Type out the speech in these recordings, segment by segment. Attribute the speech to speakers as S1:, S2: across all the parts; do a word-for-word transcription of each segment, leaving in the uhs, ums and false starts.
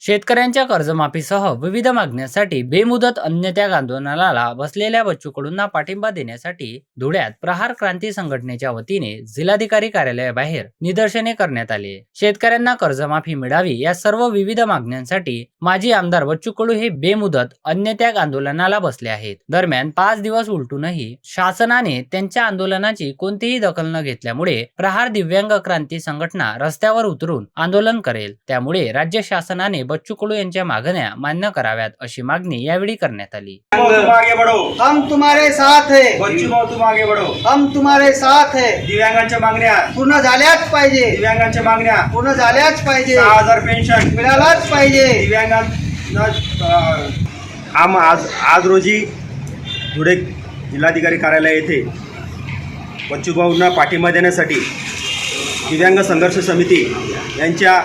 S1: शेतकऱ्यांच्या कर्जमाफीसह विविध मागण्यांसाठी बेमुदत अन्नत्याग आंदोलनाला बसलेल्या बच्चू कडूंना पाठिंबा देण्यासाठी धुळ्यात प्रहार क्रांती संघटनेच्या वतीने जिल्हाधिकारी कार्यालयाबाहेर निदर्शने करण्यात आली। शेतकऱ्यांना कर्जमाफी मिळावी या सर्व विविध मागण्यांसाठी माजी आमदार बच्चू कडू हे बेमुदत अन्नत्याग आंदोलनाला बसले आहेत। दरम्यान पाच दिवस उलटूनही शासनाने त्यांच्या आंदोलनाची कोणतीही दखल न घेतल्यामुळे प्रहार दिव्यांग क्रांती संघटना रस्त्यावर उतरून आंदोलन करेल। त्यामुळे राज्य शासनाने बच्चू कडू यांच्या मागण्या मान्य कराव्यात अशी मागणी यावेळी करण्यात आली।
S2: तुम आगे बढ़ो,
S3: हम तुम्हारे साथ है।
S2: बच्चू भाऊ तुम आगे बढ़ो,
S3: हम तुम्हारे साथ है।
S2: दिव्यांगांच्या मागण्या
S3: पूर्ण झाल्याच पाहिजे।
S2: दिव्यांगांच्या मागण्या
S3: पूर्ण झाल्याच पाहिजे।
S2: सहा हजार पेन्शन
S3: मिळालाच पाहिजे।
S2: दिव्यांगांना आम आज आज रोजी धुळे जिल्हाधिकारी कार्यालय येथे बच्चू भाऊंना पाठिंबा देण्यासाठी दिव्यांग संघर्ष समिती यांच्या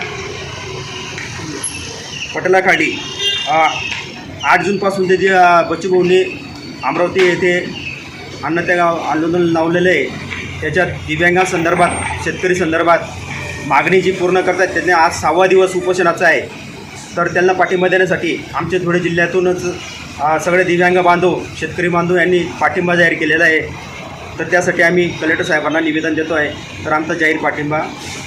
S2: पटलाखाली आठ जूनपासून ते जे बच्चू भाऊंनी अमरावती येथे अन्नत्याग आंदोलन लावलेलं आहे त्याच्यात दिव्यांगांसंदर्भात शेतकरी संदर्भात मागणी जी पूर्ण करतात त्यांनी आज सहावा दिवस उपोषणाचा आहे। तर त्यांना पाठिंबा देण्यासाठी आमच्या धुळे जिल्ह्यातूनच सगळे दिव्यांग बांधव शेतकरी बांधव यांनी पाठिंबा जाहीर केलेला आहे। तर त्यासाठी आम्ही कलेक्टर साहेबांना निवेदन देतो आहे। तर आमचा जाहीर पाठिंबा